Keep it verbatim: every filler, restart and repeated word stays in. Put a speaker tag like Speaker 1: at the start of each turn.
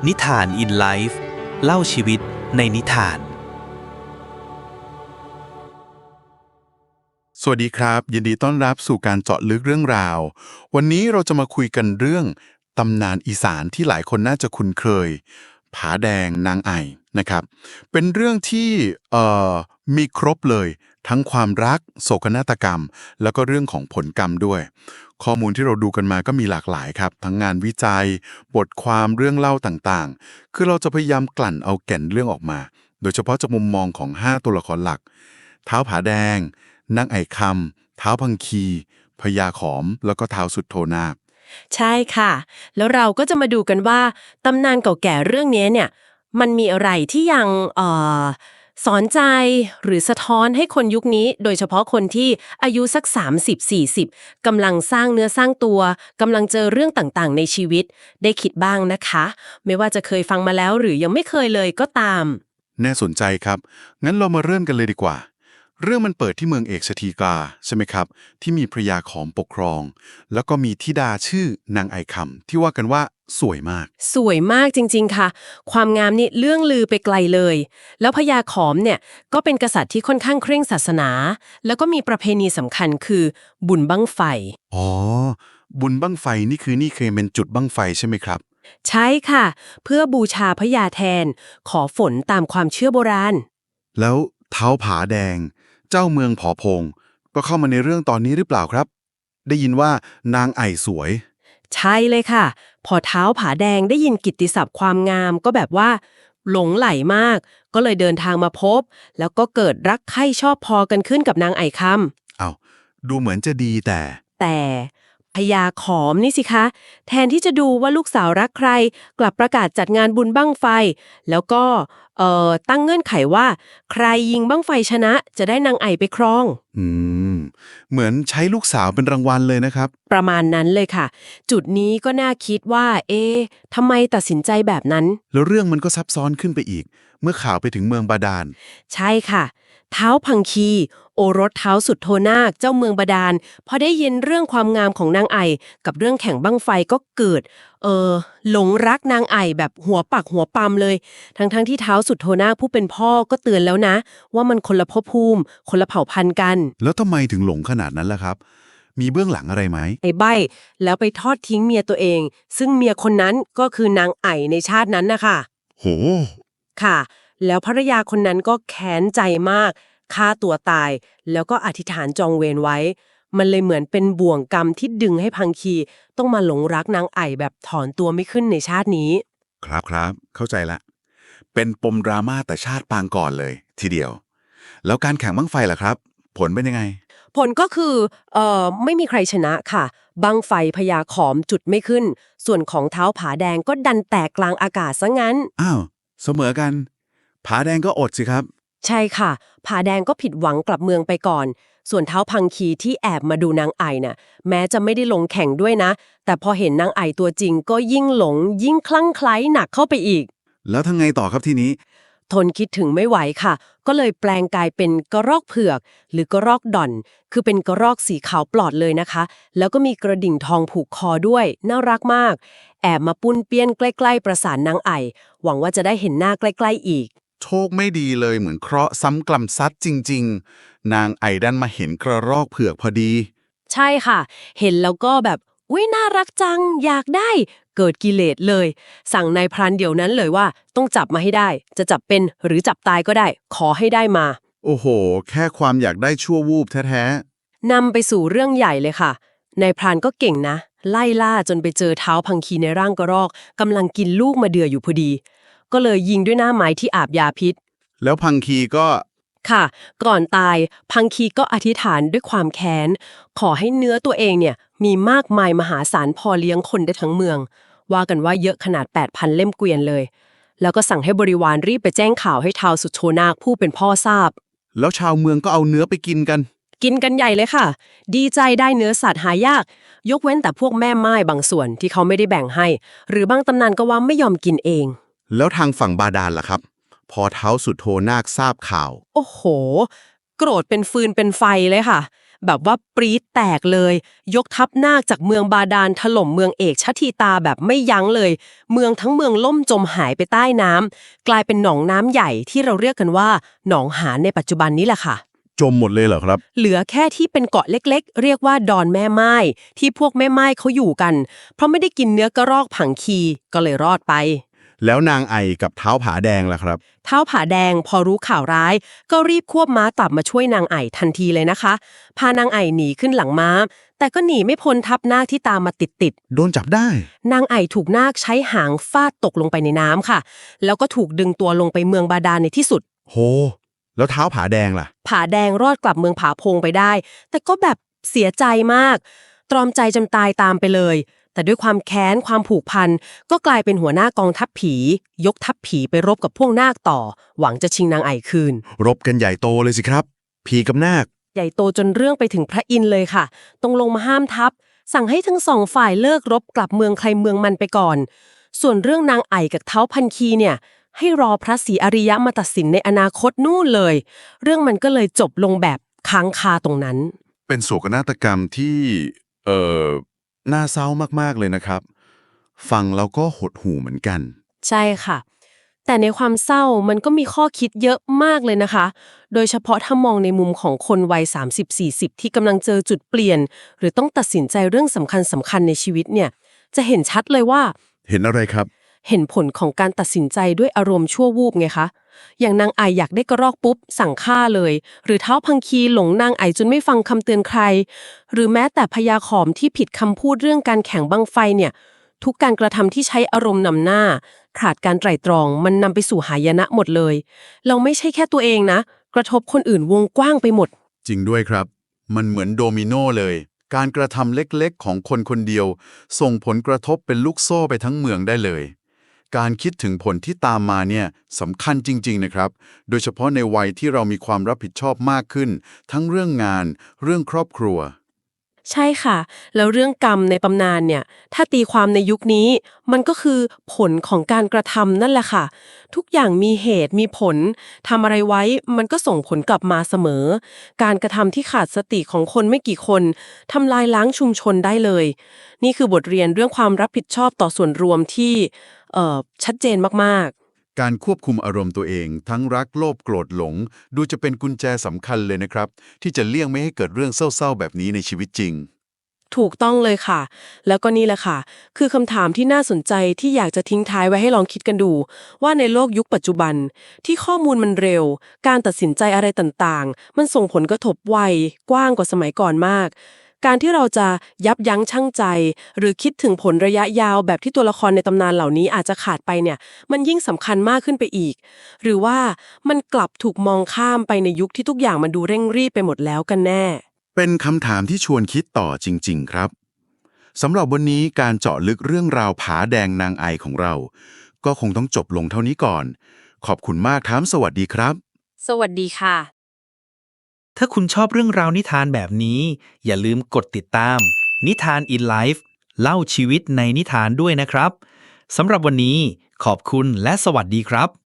Speaker 1: นิทานอินไลฟ์เล่าชีวิตในนิทาน
Speaker 2: สวัสดีครับยินดีต้อนรับสู่การเจาะลึกเรื่องราววันนี้เราจะมาคุยกันเรื่องตำนานอีสานที่หลายคนน่าจะคุ้นเคยผาแดงนางไอ่นะครับเป็นเรื่องที่เอ่อมีครบเลยทั้งความรักโศกนาฏกรรมแล้วก็เรื่องของผลกรรมด้วยข้อมูลที่เราดูกันมาก็มีหลากหลายครับทั้งงานวิจัยบทความเรื่องเล่าต่างๆคือเราจะพยายามกลั่นเอาแก่นเรื่องออกมาโดยเฉพาะจากมุมมองของห้าตัวละครหลักท้าวผาแดงนางไอ่คำท้าวพังคีพญาขอมแล้วก็ท้าวสุดโทนาค
Speaker 3: ใช่ค่ะ แล้วเราก็จะมาดูกันว่าตำนานเก่าแก่เรื่องนี้เนี่ยมันมีอะไรที่ยังเอ่อสอนใจหรือสะท้อนให้คนยุคนี้โดยเฉพาะคนที่อายุสักสามสิบ สี่สิบกำลังสร้างเนื้อสร้างตัวกำลังเจอเรื่องต่างๆในชีวิตได้คิดบ้างนะคะไม่ว่าจะเคยฟังมาแล้วหรือยังไม่เคยเลยก็ตาม
Speaker 2: น่าสนใจครับงั้นเรามาเริ่มกันเลยดีกว่าเรื่องมันเปิดที่เมืองเอกสถีกาใช่ไหมครับที่มีพระยาขอมปกครองแล้วก็มีธิดาชื่อนางไอคำที่ว่ากันว่าสวยมาก
Speaker 3: สวยมากจริงๆค่ะความงามนี่เรื่องลือไปไกลเลยแล้วพญาขอมเนี่ยก็เป็นกษัตริย์ที่ค่อนข้างเคร่งศาสนาแล้วก็มีประเพณีสำคัญคือบุญบั้งไฟ
Speaker 2: อ๋อบุญบั้งไฟนี่คือนี่เคยเป็นจุดบั้งไฟใช่ไหมครับ
Speaker 3: ใช่ค่ะเพื่อบูชาพญาแทนขอฝนตามความเชื่อโบราณ
Speaker 2: แล้วเท้าผาแดงเจ้าเมืองผอพงก็เข้ามาในเรื่องตอนนี้หรือเปล่าครับได้ยินว่านางไอ่สวย
Speaker 3: ใช่เลยค่ะพอเท้าผาแดงได้ยินกิตติศัพท์ความงามก็แบบว่าหลงไหลมากก็เลยเดินทางมาพบแล้วก็เกิดรักใคร่ชอบพอกันขึ้นกับนางไอ่คำ
Speaker 2: อ้าวดูเหมือนจะดีแต่
Speaker 3: แต่พญาขอมนี่สิคะแทนที่จะดูว่าลูกสาวรักใครกลับประกาศจัดงานบุญบั้งไฟแล้วก็เอ่อตั้งเงื่อนไขว่าใครยิงบั้งไฟชนะจะได้นางไอ่ไปครอง
Speaker 2: อืมเหมือนใช้ลูกสาวเป็นรางวัลเลยนะครับ
Speaker 3: ประมาณนั้นเลยค่ะจุดนี้ก็น่าคิดว่าเอ๊ะทำไมตัดสินใจแบบนั้น
Speaker 2: แล้วเรื่องมันก็ซับซ้อนขึ้นไปอีกเมื่อข่าวไปถึงเมืองบาดาล
Speaker 3: ใช่ค่ะท้าวพังคีโอรสท้าวสุดโทนาคเจ้าเมืองบาดาลพอได้ยินเรื่องความงามของนางไอ่กับเรื่องแข่งบั้งไฟก็เกิดเออหลงรักนางไอ่แบบหัวปักหัวปั๊มเลยทั้งๆทที่ท้าวสุดโทนาคผู้เป็นพ่อก็เตือนแล้วนะว่ามันคนละภพภูมิคนละเผ่าพันธุ์กัน
Speaker 2: แล้วทำไมถึงหลงขนาดนั้นล่ะครับมีเบื้องหลังอะไรไหม
Speaker 3: ไอ้ใบ้แล้วไปทอดทิ้งเมียตัวเองซึ่งเมียคนนั้นก็คือนางไอ่ในชาตินั้นนะคะ
Speaker 2: โห
Speaker 3: ค่ะแล้วภรรยาคนนั้นก็แค้นใจมากฆ่าตัวตายแล้วก็อธิษฐานจองเวรไว้มันเลยเหมือนเป็นบ่วงกรรมที่ดึงให้พังคีต้องมาหลงรักนางไอ่แบบถอนตัวไม่ขึ้นในชาตินี้
Speaker 2: ครับครับเข้าใจละเป็นปมดราม่าแต่ชาติปางก่อนเลยทีเดียวแล้วการแข่งบั้งไฟล่ะครับผลเป็นยังไง
Speaker 3: ผลก็คือเอ่อไม่มีใครชนะค่ะบั้งไฟพญาขอมจุดไม่ขึ้นส่วนของเท้าผาแดงก็ดันแตกกลางอากาศซะงั้น
Speaker 2: อ้าวเสมอกันผาแดงก็อดสิครับ
Speaker 3: ใช่ค่ะผาแดงก็ผิดหวังกลับเมืองไปก่อนส่วนเท้าพังคีที่แอบมาดูนางไอ่น่ะแม้จะไม่ได้ลงแข่งด้วยนะแต่พอเห็นนางไอ่ตัวจริงก็ยิ่งหลงยิ่งคลั่งไคล้หนักเข้าไปอีก
Speaker 2: แล้วทั้งไงต่อครับทีนี้
Speaker 3: ทนคิดถึงไม่ไหวค่ะก็เลยแปลงกายเป็นกระรอกเผือกหรือกระรอกด่อนคือเป็นกระรอกสีขาวปลอดเลยนะคะแล้วก็มีกระดิ่งทองผูกคอด้วยน่ารักมากแอบมาปุ้นเปี้ยนใกล้ๆประสานนางไอ่หวังว่าจะได้เห็นหน้าใกล้ๆอีก
Speaker 2: โชคไม่ดีเลยเหมือนเคราะห์ซ้ำกล่ำซัดจริงๆนางไอดันมาเห็นกระรอกเผือกพอดี
Speaker 3: ใช่ค่ะเห็นแล้วก็แบบอุ๊ยน่ารักจังอยากได้เกิดกิเลสเลยสั่งนายพรานเดี๋ยวนั้นเลยว่าต้องจับมาให้ได้จะจับเป็นหรือจับตายก็ได้ขอให้ได้มา
Speaker 2: โอ้โหแค่ความอยากได้ชั่ววูบแท้
Speaker 3: นำไปสู่เรื่องใหญ่เลยค่ะนายพรานก็เก่งนะไล่ล่าจนไปเจอเท้าพังคีในร่างกระรอกกำลังกินลูกมาเดืออยู่พอดีก็เลยยิงด้วยหน้าไม้ที่อาบยาพิษ
Speaker 2: ๆแล้วพังคีก็
Speaker 3: ค่ะก่อนตายพังคีก็อธิษฐานด้วยความแค้นขอให้เนื้อตัวเองเนี่ยมีมากมายมหาศาลพอเลี้ยงคนได้ทั้งเมืองว่ากันว่าเยอะขนาด แปดพัน เล่มเกวียนเลยแล้วก็สั่งให้บริวารรีบไปแจ้งข่าวให้ท้าวสุโชนาคผู้เป็นพ่อทราบ
Speaker 2: แล้วชาวเมืองก็เอาเนื้อไปกินกัน
Speaker 3: กินกันใหญ่เลยค่ะดีใจได้เนื้อสัตว์หายากยกเว้นแต่พวกแม่ไม้บางส่วนที่เขาไม่ได้แบ่งให้หรือบางตำนานก็ว่าไม่ยอมกินเอง
Speaker 2: แล้วทางฝั่งบาดาลล่ะครับพอเท้าสุดโทนาคทราบข่าว
Speaker 3: โอ้โหโกรธเป็นฟืนเป็นไฟเลยค่ะแบบว่าปรี๊ดแตกเลย ยกทัพนาคจากเมืองบาดาลถล่มเมืองเอกชทีตาแบบไม่ยั้งเลย เมืองทั้งเมืองล่มจมหายไปใต้น้ำกลายเป็นหนองน้ำใหญ่ที่เราเรียกกันว่าหนองหานในปัจจุบันนี้แหละค่ะ
Speaker 2: จมหมดเลยเหรอครับ
Speaker 3: เหลือแค่ที่เป็นเกาะเล็กๆเรียกว่าดอนแม่ไม้ที่พวกแม่ไม้เขาอยู่กันเพราะไม่ได้กินเนื้อกระรอกผังคีก็เลยรอดไป
Speaker 2: แล้วนางไอกับเท้าผาแดงล่ะครับ
Speaker 3: เท้าผาแดงพอรู้ข่าวร้ายก็รีบควบม้ากลับมาช่วยนางไอทันทีเลยนะคะพานางไอหนีขึ้นหลังม้าแต่ก็หนีไม่พ้นทับนาคที่ตามมาติด
Speaker 2: ๆโดนจับได้
Speaker 3: นางไอถูกนาคใช้หางฟาดตกลงไปในน้ำค่ะแล้วก็ถูกดึงตัวลงไปเมืองบาดาลในที่สุด
Speaker 2: โหแล้วเท้าผาแดงล่ะ
Speaker 3: ผาแดงรอดกลับเมืองผาพงไปได้แต่ก็แบบเสียใจมากตรอมใจจำตายตามไปเลยแต่ด้วยความแค้นความผูกพันก็กลายเป็นหัวหน้ากองทัพผียกทัพผีไปรบกับพวกนาคต่อหวังจะชิงนางไอคืน
Speaker 2: รบกันใหญ่โตเลยสิครับผีกับนาค
Speaker 3: ใหญ่โตจนเรื่องไปถึงพระอินทร์เลยค่ะต้องลงมาห้ามทัพสั่งให้ทั้งสองฝ่ายเลิกรบกลับเมืองใครเมืองมันไปก่อนส่วนเรื่องนางไอกับเท้าพันคีเนี่ยให้รอพระศรีอริยะมาตัดสินในอนาคตนู่นเลยเรื่องมันก็เลยจบลงแบบค้างคาตรงนั้น
Speaker 2: เป็นโศกนาฏกรรมที่เอ่อน่าเศร้ามากๆเลยนะครับฟังแล้วก็หดหู่เหมือนกัน
Speaker 3: ใช่ค่ะแต่ในความเศร้ามันก็มีข้อคิดเยอะมากเลยนะคะโดยเฉพาะถ้ามองในมุมของคนวัย สามสิบถึงสี่สิบ ที่กำลังเจอจุดเปลี่ยนหรือต้องตัดสินใจเรื่องสำคัญสำคัญในชีวิตเนี่ยจะเห็นชัดเลยว่า
Speaker 2: เห็นอะไรครับ
Speaker 3: เห็นผลของการตัดสินใจด้วยอารมณ์ชั่ววูบไงคะอย่างนางไออยากได้กระรอกปุ๊บสั่งฆ่าเลยหรือเท้าพังคีหลงนางไอจนไม่ฟังคำเตือนใครหรือแม้แต่พญาขอมที่ผิดคำพูดเรื่องการแข่งบั้งไฟเนี่ยทุกการกระทำที่ใช้อารมณ์นำหน้าขาดการไตร่ตรองมันนำไปสู่หายนะหมดเลยเราไม่ใช่แค่ตัวเองนะกระทบคนอื่นวงกว้างไปหมด
Speaker 2: จริงด้วยครับมันเหมือนโดมิโนเลยการกระทำเล็กๆของคนคนเดียวส่งผลกระทบเป็นลูกโซ่ไปทั้งเมืองได้เลยการคิดถึงผลที่ตามมาเนี่ยสำคัญจริงๆนะครับโดยเฉพาะในวัยที่เรามีความรับผิดชอบมากขึ้นทั้งเรื่องงานเรื่องครอบครัว
Speaker 3: ใช่ค่ะแล้วเรื่องกรรมในตำนานเนี่ยถ้าตีความในยุคนี้มันก็คือผลของการกระทำนั่นแหละค่ะทุกอย่างมีเหตุมีผลทำอะไรไว้มันก็ส่งผลกลับมาเสมอการกระทำที่ขาดสติของคนไม่กี่คนทำลายล้างชุมชนได้เลยนี่คือบทเรียนเรื่องความรับผิดชอบต่อส่วนรวมที่เอ่อชัดเจนมาก
Speaker 2: ๆการควบคุมอารมณ์ตัวเองทั้งรักโลภโกรธหลงดูจะเป็นกุญแจสำคัญเลยนะครับที่จะเลี่ยงไม่ให้เกิดเรื่องเศร้าๆแบบนี้ในชีวิตจริง
Speaker 3: ถูกต้องเลยค่ะแล้วก็นี่แหละค่ะคือคำถามที่น่าสนใจที่อยากจะทิ้งท้ายไว้ให้ลองคิดกันดูว่าในโลกยุคปัจจุบันที่ข้อมูลมันเร็วการตัดสินใจอะไรต่างๆมันส่งผลกระทบไวกว้างกว่าสมัยก่อนมากการที่เราจะยับยั้งชั่งใจหรือคิดถึงผลระยะยาวแบบที่ตัวละครในตำนานเหล่านี้อาจจะขาดไปเนี่ยมันยิ่งสำคัญมากขึ้นไปอีกหรือว่ามันกลับถูกมองข้ามไปในยุคที่ทุกอย่างมันดูเร่งรีบไปหมดแล้วกันแน่
Speaker 2: เป็นคำถามที่ชวนคิดต่อจริงๆครับสำหรับวันนี้การเจาะลึกเรื่องราวผาแดงนางไอของเราก็คงต้องจบลงเท่านี้ก่อนขอบคุณมากครับสวัสดีครับ
Speaker 3: สวัสดีค่ะ
Speaker 1: ถ้าคุณชอบเรื่องราวนิทานแบบนี้อย่าลืมกดติดตามนิทาน in Life เล่าชีวิตในนิทานด้วยนะครับสำหรับวันนี้ขอบคุณและสวัสดีครับ